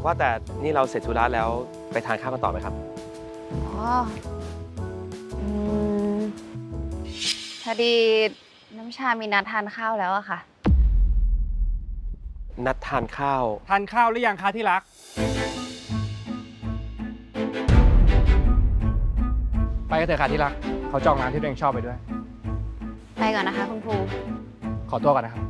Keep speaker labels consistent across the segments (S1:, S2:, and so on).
S1: ว่าแต่นี่เราเสร็จธุระแล้วไปทานข้าวกันต่อไหมครับ
S2: อ๋ออืมพอดีน้ำชามีนัดทานข้าวแล้วอะค่ะ
S1: นัดทานข้าว
S3: ทานข้าวหรือยังคะที่รัก ไปกันเถอะค่ะที่รัก เขาจองร้านที่ตัวเองชอบไปด้วย
S2: ไปก่อนนะคะคุณครู
S3: ขอตัวก่อนนะครับ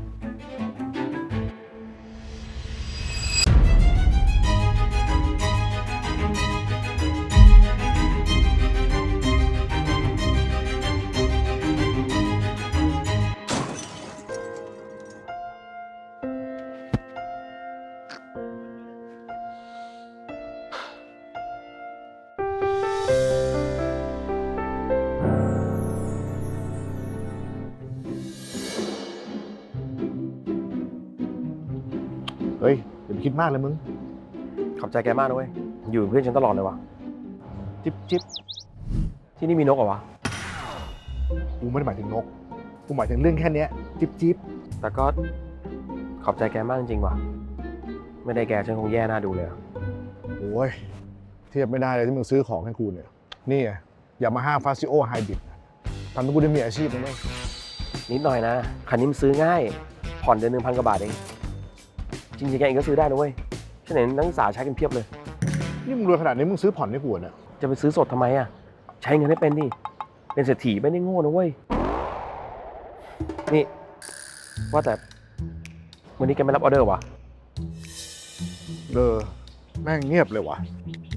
S4: เฮ้ยอย่าไปคิดมากเลยมึง
S1: ขอบใจแกมากนะเว้ย อยู่เป็นเพื่อนฉันตลอดเลยวะ
S4: จิ๊บจิ๊บ
S1: ที่นี่มีนกเหรอวะ
S4: กูไม่ได้หมายถึงนก กูหมายถึงเรื่องแค่เนี้ยจิ๊บจิ๊บ
S1: แต่ก็ขอบใจแกมากจริงๆว่ะ ไม่ได้แกฉันคงแย่หน้าดูเลยอะ
S4: โอ้ยเทียบไม่ได้เลยที่มึงซื้อของให้กูเนี่ย นี่ไงอย่ามาห้ามฟาซิโอไฮบริดทำให้กูได้มีอาชีพนะเว้ย
S1: นิดหน่อยนะ คันนี้มันซื้อง่าย ผ่อนเดือน 1,000 กว่าบาทเอง จริงๆแกเองก็ซื้อได้นะเว้ยฉันเห็นนักศึกษาใช้กันเพียบเลย
S4: นี่มึงรวยขนาดนี้มึงซื้อผ่อนให้กูเนี่ย
S1: จะไปซื้อสดทำไมอะใช้เงินให้เป็นดิ เป็นเศรษฐีไม่ได้โง่นะเว้ย นี่ ว่าแต่วันนี้แกไม่รับออเดอร์วะ
S4: แม่งเงียบเลยวะ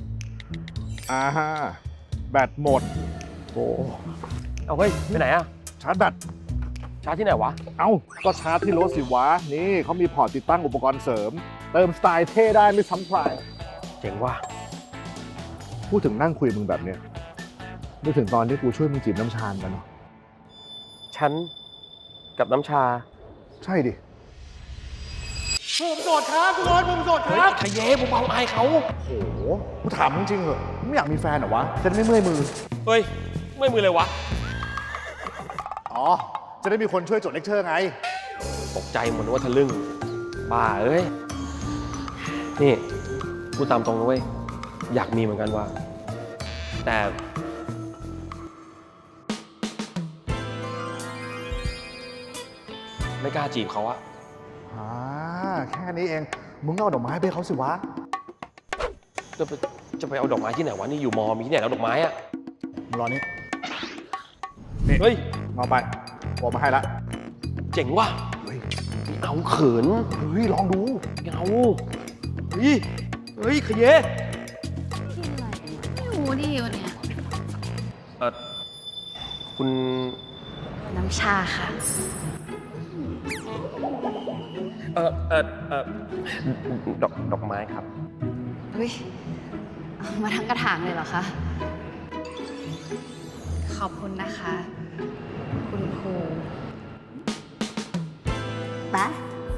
S4: แบตหมด โอ้
S1: เอาเฮ้ยไปไหนอะ
S4: ชาร์จแบต
S1: ชาร์จที่ไหนวะ
S4: เอ้าก็ชาร์จที่รถสิวะ นี่เขามีพอร์ตติดตั้งอุปกรณ์เสริม เติมสไตล์เท่ได้ไม่ซ้ำใคร
S1: เจ๋งว่ะ
S4: พูดถึงนั่งคุยมึงแบบเนี้ยนึกถึงตอนที่กูช่วยมึงจีบน้ำชากันเนาะ
S1: ฉันกับน้ำชา
S4: ใช่ดิ
S3: ผมโสดครับทุกคนผมโสดค
S1: เฮ้ย
S3: รับ
S1: ขยเย้ผมเบาอายเขา
S4: โอ้โห กูถามมึงจริงเหรอมึงไม่อยากมีแฟนเหรอวะ จะได้ไม่เมื่อยมือ
S1: เฮ้ย ไม่มือเลยวะ
S4: อ๋อ จะได้มีคนช่วยจดเลคเชอร์ไง
S1: ตกใจหมดว่าทะลึ่ง บ้าเอ้ย นี่พูดตามตรงนะเว้ย อยากมีเหมือนกันว่ะ แต่ ไม่กล้าจีบเขาอะ
S4: แค่นี้เอง มึงเอาดอกไม้ไปให้เขาสิวะ
S1: จะไปเอาดอกไม้ที่ไหนวะ นี่อยู่มอ มีที่ไหนแล้วดอกไม้อะ
S4: มึงรอนี่
S1: เฮ้ย
S4: เอาไปบอกมาให้ละ
S1: เจ๋งว่ะ
S4: เฮ้ย
S1: เอาเขิน
S4: เฮ้ย ลองดู
S1: เอาเฮ้ย เฮ้ยขยเย้
S2: กินอะไรไม่รู้ดิวันเนี้ย
S1: คุณ
S2: น้ำชาค่ะ
S1: ดอกไม้ครับ
S2: เฮ้ยเอามาทั้งกระถางเลยเหรอคะ ขอบคุณนะคะ คุณครูปะ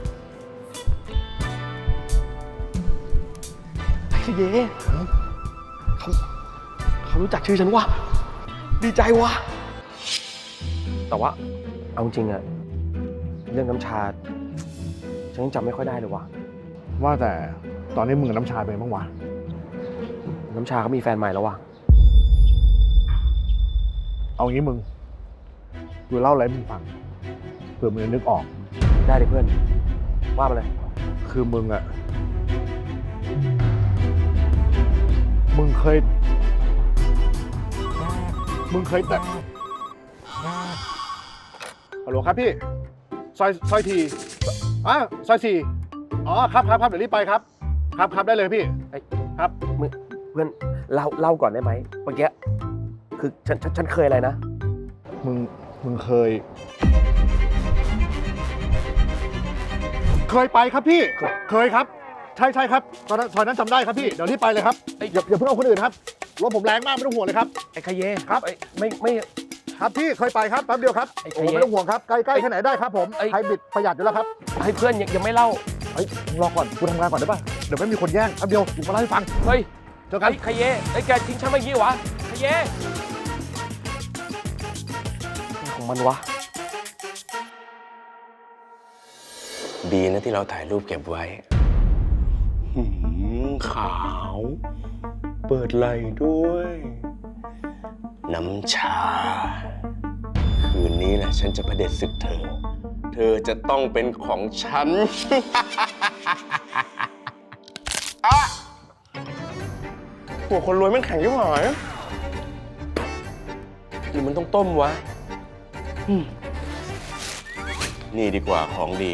S1: ขยเย้เขารู้จักชื่อฉันว่ะ ดีใจว่ะ แต่ว่า เอาจริงอะเรื่องน้ำชา ฉันยังจำไม่ค่อยได้เลยว่ะ
S4: ว่าแต่ตอนนี้มึงกับน้ำชาเป็นไงบ้างวะ
S1: น้ำชาเขามีแฟนใหม่แล้วว่ะ
S4: เอางี้มึง กูเล่าอะไรให้มึงฟัง เผื่อมึงจะนึกออก
S1: ได้เลยเพื่อน ว่ามาเลย
S4: คือมึงอะมึงเคยแต่ฮัลโหลครับพี่ ซอยทีซอยสี่อ๋อครับเดี๋ยวรีบไปครับ ครับได้เลยพี่
S1: เอ้ย
S4: ครับ
S1: เพื่อนเล่าก่อนได้ไหมเมื่อกี้คือฉันเคยอะไรนะ
S4: มึงเคยไปครับพี่ เคยครับ ใช่ครับตอนนั้นซอยนั้นจำได้ครับพี่ เดี๋ยวรีบไปเลยครับอย่าเพิ่งเอาคนอื่นครับรถผมแรงมากไม่ต้องห่วงเลยครับ
S1: ไอ้ขยเย้
S4: ครับ
S1: ไม่
S4: ครับพี่เคยไปครับแป๊บเดียวครับ
S1: ไอ้
S4: โอ้
S1: เจ๊
S4: ไม่ต้องห่วงครับใกล้ๆแค่ไหนได้ครับผม
S1: ไอ้
S4: ไฮบริดประหยัดอยู่แล้วครับ
S1: ให้เพื่อนยังไม่เล่า
S4: เฮ้ยมึงรอก่อนกูทำงานก่อนได้ป่ะเดี๋ยวไม่มีคนแย่งแป๊บเดียวกูมาเล่าให้ฟัง
S1: เฮ้ย
S4: เจอกัน
S1: ไอ้ขยเย้ไอ้แกทิ้งฉันมาอย่างนี้วะขยเย้อะไรของมันวะ
S5: ดีนะที่เราถ่ายรูปเก็บไว้ขาว เปิดไหลด้วย น้ำชา คืนนี้แหละฉันจะประเด็จศึกเธอ เธอจะต้องเป็นของฉัน อะหัวคนรวยแม่งแข็งยิ่งหายหรือมันต้องต้มวะ นี่ดีกว่าของดี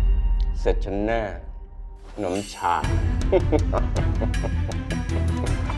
S5: เสร็จฉันแน่น้ำชา